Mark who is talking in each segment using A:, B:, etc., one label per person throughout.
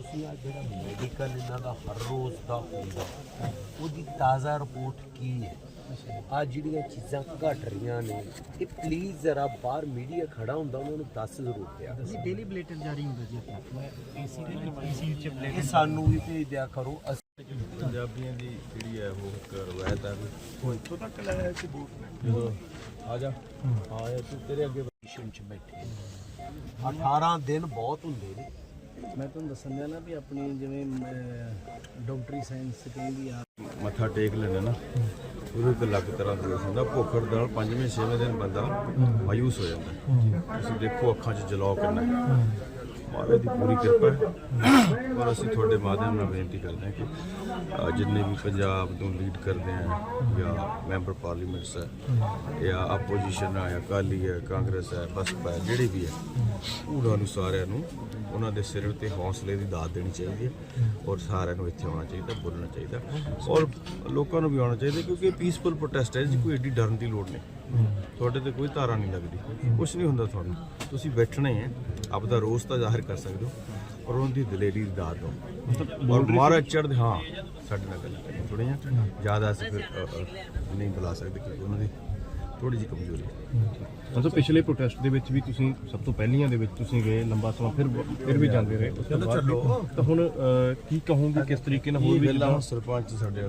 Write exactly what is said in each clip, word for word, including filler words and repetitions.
A: ਤੁਸੀਂ ਆ ਜਿਹੜਾ ਮੈਡੀਕਲ ਇਹਨਾਂ ਦਾ ਹਰ ਰੋਜ਼ ਦਾ ਹੁੰਦਾ ਉਹਦੀ ਤਾਜ਼ਾ ਰਿਪੋਰਟ ਕੀ ਹੈ। ਆ ਜਿਹੜੀਆਂ ਚੀਜ਼ਾਂ ਘਟ ਰਹੀਆਂ ਨੇ ਇਹ ਪਲੀਜ਼ ਜ਼ਰਾ ਬਾਹਰ ਮੀਡੀਆ ਖੜਾ ਹੁੰਦਾ ਉਹਨਾਂ ਨੂੰ ਦੱਸ ਜ਼ਰੂਰ ਪਿਆ।
B: ਡੇਲੀ ਬੁਲੇਟਿਨ ਜਾਰੀ ਹੁੰਦਾ ਜੀ ਆਪਣਾ ਏਸੀ ਦੇ ਵਿੱਚ ਏਸੀ ਚ
A: ਇਹ
B: ਬੁਲੇਟਿਨ
A: ਸਾਨੂੰ ਵੀ ਭੇਜ ਦਿਆ ਕਰੋ।
C: ਪੰਜਾਬੀਆਂ ਦੀ ਜਿਹੜੀ ਹੈ ਉਹ ਇੱਕ ਰਵਾਇਤ ਹੈ ਵੀ ਇੱਥੋਂ ਤੱਕ ਲਾਇਆ ਕਿ ਜਦੋਂ ਆ ਜਾ ਆ ਜਾ ਤੂੰ ਤੇਰੇ ਅੱਗੇ
A: ਪੋਜੀਸ਼ਨ 'ਚ ਬੈਠੇ ਅਠਾਰਾਂ ਦਿਨ ਬਹੁਤ ਹੁੰਦੇ ਨੇ।
B: ਮੈਂ ਤੁਹਾਨੂੰ ਦੱਸਣ ਦਿਆ ਨਾ ਵੀ ਆਪਣੀ ਜਿਵੇਂ ਡਾਕਟਰੀ ਸਾਇੰਸ ਕਹਿੰਦੀ ਆ
C: ਮੱਥਾ ਟੇਕ ਲੈਣਾ ਨਾ ਉਹਦੇ ਇੱਕ ਅਲੱਗ ਤਰ੍ਹਾਂ ਦਾ ਹੁੰਦਾ। ਭੁੱਖ ਹੜਤਾਲ ਨਾਲ ਪੰਜਵੇਂ ਛੇਵੇਂ ਦਿਨ ਬੰਦਾ ਮਾਯੂਸ ਹੋ ਜਾਂਦਾ। ਤੁਸੀਂ ਦੇਖੋ ਅੱਖਾਂ 'ਚ ਜਲਾਅ ਕਿੰਨਾ ਹੈ। ਮਹਾਰਾਜ ਦੀ ਪੂਰੀ ਕਿਰਪਾ ਹੈ। ਔਰ ਅਸੀਂ ਤੁਹਾਡੇ ਮਾਧਿਅਮ ਨਾਲ ਬੇਨਤੀ ਕਰਦੇ ਹਾਂ ਕਿ ਜਿੰਨੇ ਵੀ ਪੰਜਾਬ ਨੂੰ ਲੀਡ ਕਰਦੇ ਆ ਜਾਂ ਮੈਂਬਰ ਪਾਰਲੀਮੈਂਟਸ ਹੈ ਜਾਂ ਆਪੋਜੀਸ਼ਨ ਹੈ ਜਾਂ ਅਕਾਲੀ ਹੈ ਕਾਂਗਰਸ ਹੈ ਬਸਪਾ ਹੈ ਜਿਹੜੇ ਵੀ ਹੈ ਉਹਨਾਂ ਨੂੰ ਸਾਰਿਆਂ ਨੂੰ ਉਹਨਾਂ ਦੇ ਸਿਰ ਉੱਤੇ ਹੌਸਲੇ ਦੀ ਦਾਤ ਦੇਣੀ ਚਾਹੀਦੀ ਹੈ ਔਰ ਸਾਰਿਆਂ ਨੂੰ ਇੱਥੇ ਆਉਣਾ ਚਾਹੀਦਾ ਬੋਲਣਾ ਚਾਹੀਦਾ ਔਰ ਲੋਕਾਂ ਨੂੰ ਵੀ ਆਉਣਾ ਚਾਹੀਦਾ ਕਿਉਂਕਿ ਪੀਸਫੁਲ ਪ੍ਰੋਟੈਸਟ ਹੈ ਜੀ ਕੋਈ ਐਡੀ ਡਰਨ ਦੀ ਲੋੜ ਨਹੀਂ। ਤੁਹਾਡੇ ਤੇ ਕੋਈ ਧਾਰਾ ਨਹੀਂ ਲੱਗਦੀ ਕੁਛ ਨਹੀਂ ਹੁੰਦਾ ਤੁਹਾਨੂੰ ਤੁਸੀਂ ਬੈਠਣਾ ਹੀ ਹੈ ਆਪਦਾ ਰੋਸ ਤਾਂ ਜ਼ਾਹਿਰ ਕਰ ਸਕਦੇ ਹੋ ਔਰ ਉਹਨਾਂ ਦੀ ਦਲੇਰੀ ਦੀ ਦਾਤ ਦਿਓ ਔਰ ਮਹਾਰਾਜ ਚੜ੍ਹਦੇ ਹਾਂ ਸਾਡੇ ਨਾਲ ਗੱਲ ਕਰੀਏ ਥੋੜ੍ਹੇ ਜਿਹਾ ਜ਼ਿਆਦਾ ਅਸੀਂ ਫਿਰ ਨਹੀਂ ਬੁਲਾ ਸਕਦੇ ਕਿਉਂਕਿ ਉਹਨਾਂ ਦੀ ਥੋੜੀ ਜਿਹੀ ਕਮਜ਼ੋਰੀ ਹੈ।
D: ਮਤਲਬ ਪਿਛਲੇ ਪ੍ਰੋਟੈਸਟ ਦੇ ਵਿੱਚ ਵੀ ਤੁਸੀਂ ਸਭ ਤੋਂ ਪਹਿਲੀਆਂ ਦੇ ਵਿੱਚ ਤੁਸੀਂ ਗਏ ਲੰਬਾ ਸਮਾਂ ਫਿਰ ਫਿਰ ਵੀ ਜਾਂਦੇ ਰਹੇ ਉਸ ਤੋਂ ਬਾਅਦ ਵੀ। ਤਾਂ ਹੁਣ ਕੀ ਕਹੋਗੇ ਕਿਸ ਤਰੀਕੇ ਨਾਲ ਹੋਰ ਵੀ
C: ਪਹਿਲਾਂ ਸਰਪੰਚ ਸਾਡੇ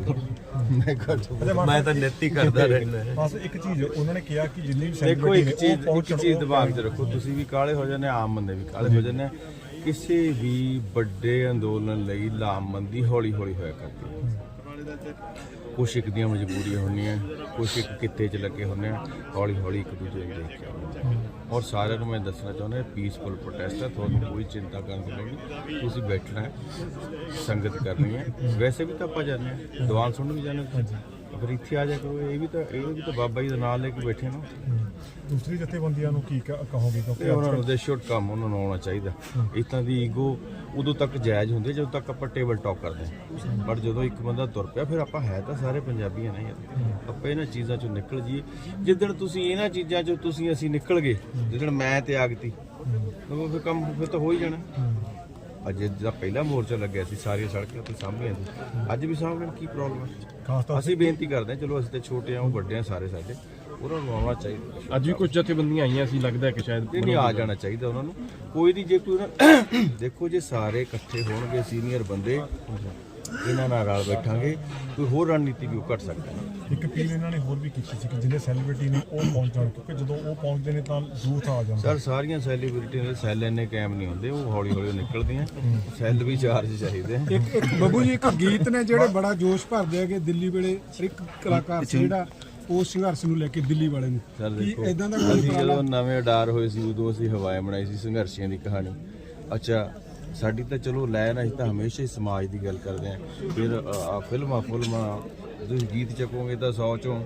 C: ਵਾਲਾ
A: ਮੈਂ ਤਾਂ ਨਿੱਤੀ ਕਰਦਾ ਰਹਿੰਦਾ।
E: ਬਸ ਇੱਕ ਚੀਜ਼ ਉਹਨਾਂ ਨੇ ਕਿਹਾ ਕਿ ਜਿੰਨੀ ਵੀ
C: ਦੇਖੋ ਇੱਕ ਚੀਜ਼ ਇੱਕ ਚੀਜ਼ ਦਿਮਾਗ 'ਚ ਰੱਖੋ ਤੁਸੀਂ ਵੀ ਕਾਲੇ ਹੋ ਜਾਂਦੇ ਆਮ ਬੰਦੇ ਵੀ ਕਾਲੇ ਹੋ ਜਾਂਦੇ ਕਿਸੇ ਵੀ ਵੱਡੇ ਅੰਦੋਲਨ ਲਈ ਲਾਮਬੰਦੀ ਹੌਲੀ ਹੌਲੀ ਹੋਇਆ ਕਰਦੀ ਹੈ। ਕੁਛ ਇੱਕ ਦੀਆਂ ਮਜਬੂਰੀਆਂ ਹੁੰਦੀਆਂ ਕੁਛ ਇੱਕ ਕਿੱਤੇ 'ਚ ਲੱਗੇ ਹੁੰਦੇ ਆ ਹੌਲੀ ਹੌਲੀ ਇੱਕ ਦੂਜੇ ਨੂੰ ਦੇਖ ਕੇ ਆਉਂਦੇ ਔਰ ਸਾਰਿਆਂ ਨੂੰ ਮੈਂ ਦੱਸਣਾ ਚਾਹੁੰਦਾ ਪੀਸਫੁਲ ਪ੍ਰੋਟੈਸਟ ਹੈ ਤੁਹਾਨੂੰ ਕੋਈ ਚਿੰਤਾ ਕਰਨ ਦੀ ਲੋੜ ਨਹੀਂ। ਤੁਸੀਂ ਬੈਠਣਾ ਹੈ ਸੰਗਤ ਕਰਨੀ ਹੈ ਵੈਸੇ ਵੀ ਤਾਂ ਆਪਾਂ ਜਾਂਦੇ ਹਾਂ ਦੀਵਾਨ ਸੁਣਨ ਵੀ ਜਾਂਦੇ ਹਾਂ ਅਗਰ ਇੱਥੇ ਆ ਜਾ ਕਰੋ ਇਹ ਵੀ ਤਾਂ ਇਹ ਵੀ ਤਾਂ ਬਾਬਾ ਜੀ ਦਾ ਨਾਮ ਲੈ ਕੇ ਬੈਠੇ ਨਾ।
E: ਦੂਸਰੀ ਜਥੇਬੰਦੀਆਂ ਨੂੰ ਕੀ ਕਹੋਗੇ ਕਿਉਂਕਿ
C: ਉਹਨਾਂ ਨੂੰ ਦੇ ਸ਼ੁੱਡ ਕੰਮ ਉਹਨਾਂ ਨੂੰ ਆਉਣਾ ਚਾਹੀਦਾ। ਇੱਦਾਂ ਦੀ ਈਗੋ ਉਦੋਂ ਤੱਕ ਜਾਇਜ਼ ਹੁੰਦੀ ਜਦੋਂ ਤੱਕ ਆਪਾਂ ਟੇਬਲ ਟਾਕ ਕਰਦੇ ਹਾਂ ਬਟ ਜਦੋਂ ਇੱਕ ਬੰਦਾ ਤੁਰ ਪਿਆ ਫਿਰ ਆਪਾਂ ਹੈ ਤਾਂ ਸਾਰੇ ਪੰਜਾਬੀ ਨੇ ਆਪਾਂ ਇਹਨਾਂ ਚੀਜ਼ਾਂ ਚੋਂ ਨਿਕਲ ਜਾਈਏ। ਜਿੱਦਣ ਤੁਸੀਂ ਇਹਨਾਂ ਚੀਜ਼ਾਂ ਚੋਂ ਤੁਸੀਂ ਅਸੀਂ ਨਿਕਲ ਗਏ ਜਿੱਦਣ ਮੈਂ ਤੇ ਆਗਤੀ ਫਿਰ ਕੰਮ ਫਿਰ ਤਾਂ ਹੋ ਹੀ ਜਾਣਾ। ਅੱਜ ਜਿਹੜਾ ਪਹਿਲਾ ਮੋਰਚਾ ਲੱਗਿਆ ਸੀ ਸਾਰੀਆਂ ਸੜਕਾਂ ਤੇ ਸਾਹਮਣੇ ਸੀ ਅੱਜ ਵੀ ਸਾਹਮਣੇ ਕੀ ਪ੍ਰੋਬਲਮ ਹੈ। ਅਸੀਂ ਬੇਨਤੀ ਕਰਦੇ ਹਾਂ ਚਲੋ ਅਸੀਂ ਤੇ ਛੋਟੇ ਆ ਉਹ ਵੱਡੇ ਆ ਸਾਰੇ ਸਾਡੇ ਉਹਨਾਂ ਨੂੰ ਆਉਣਾ ਚਾਹੀਦਾ।
D: ਅੱਜ ਵੀ ਕੁਝ ਜਥੇਬੰਦੀਆਂ ਆਈਆਂ ਸੀ ਲੱਗਦਾ ਕਿ ਸ਼ਾਇਦ
C: ਨਹੀਂ ਆ ਜਾਣਾ ਚਾਹੀਦਾ ਉਹਨਾਂ ਨੂੰ ਕੋਈ ਨਹੀਂ ਜੇ ਕੋਈ ਦੇਖੋ ਜੇ ਸਾਰੇ ਇਕੱਠੇ ਹੋਣਗੇ ਸੀਨੀਅਰ ਬੰਦੇ ਇਹਨਾਂ ਨਾਲ ਰਲ ਬੈਠਾਂਗੇ ਕੋਈ ਹੋਰ ਰਣਨੀਤੀ ਵੀ ਉਹ ਘਟ ਸਕਦਾ।
E: ਇੱਕ ਅਪੀਲ ਇਹਨਾਂ ਨੇ ਹੋਰ ਵੀ ਕੀਤੀ ਸੀ ਕਿ ਜਿਹੜੇ ਸੈਲੀਬ੍ਰਿਟੀ ਨੇ ਉਹ ਪਹੁੰਚ ਜਾਣ ਕਿਉਂਕਿ ਜਦੋਂ ਉਹ ਪਹੁੰਚਦੇ ਨੇ ਤਾਂ ਯੂਥ ਆ ਜਾਂਦਾ।
C: ਸਰ ਸਾਰੀਆਂ ਸੈਲੀਬ੍ਰਿਟੀ ਦੇ ਸੈੱਲ ਇੰਨੇ ਕਾਇਮ ਨਹੀਂ ਹੁੰਦੇ ਉਹ ਹੌਲੀ ਹੌਲੀ ਨਿਕਲਦੇ ਆ ਸੈੱਲ ਵੀ ਚਾਰਜ ਚਾਹੀਦੇ ਆ।
F: ਇੱਕ ਇੱਕ ਬੱਬੂ ਜੀ ਇੱਕ ਗੀਤ ਨੇ ਜਿਹੜੇ ਬੜਾ ਜੋਸ਼ ਭਰਦੇ ਹੈਗੇ ਦਿੱਲੀ ਵੇਲੇ ਇੱਕ ਕਲਾਕਾਰ ਸੀ ਜਿਹੜਾ ਉਸ ਸੰਘਰਸ਼ ਨੂੰ ਲੈ ਕੇ ਦਿੱਲੀ ਵਾਲੇ ਨੂੰ
C: ਸਰ ਦੇਖੋ
F: ਇਦਾਂ ਦਾ
C: ਅਸੀਂ ਜਦੋਂ ਨਵੇਂ ਅਡਾਰ ਹੋਏ ਸੀ ਉਦੋਂ ਅਸੀਂ ਹਵਾਏ ਬਣਾਈ ਸੀ ਸੰਘਰਸ਼ੀਆਂ ਦੀ ਕਹਾਣੀ। ਅੱਛਾ ਸਾਡੀ ਤਾਂ ਚਲੋ ਲੈਣ ਅਸੀਂ ਤਾਂ ਹਮੇਸ਼ਾ ਹੀ ਸਮਾਜ ਦੀ ਗੱਲ ਕਰਦੇ ਹਾਂ ਫਿਰ ਆ ਫਿਲਮਾਂ ਫਿਲਮਾਂ ਤੁਸੀਂ ਗੀਤ ਚੱਕੋਗੇ ਤਾਂ ਸੌ ਚੋਂ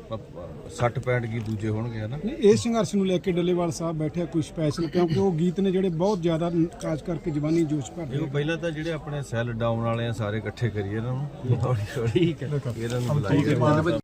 C: ਸੱਠ ਪੈਂਹਠ ਗੀਤ ਦੂਜੇ ਹੋਣਗੇ ਹੈ ਨਾ।
F: ਇਹ ਸੰਘਰਸ਼ ਨੂੰ ਲੈ ਕੇ ਡੱਲੇਵਾਲ ਸਾਹਿਬ ਬੈਠਿਆ ਕੋਈ ਸਪੈਸ਼ਲ ਕਿਉਂਕਿ ਉਹ ਗੀਤ ਨੇ ਜਿਹੜੇ ਬਹੁਤ ਜ਼ਿਆਦਾ ਖਾਸ ਕਰਕੇ ਜਵਾਨੀ ਜੋਸ਼ ਭਰਦੇ
C: ਦੇਖੋ ਪਹਿਲਾਂ ਤਾਂ ਜਿਹੜੇ ਆਪਣੇ ਸੈੱਲ ਡਾਊਨ ਵਾਲੇ ਆ ਸਾਰੇ ਇਕੱਠੇ ਕਰੀਏ ਇਹਨਾਂ ਨੂੰ ਹੌਲੀ ਹੌਲੀ ਇਹਨਾਂ ਨੂੰ ਬੁਲਾਈਏ।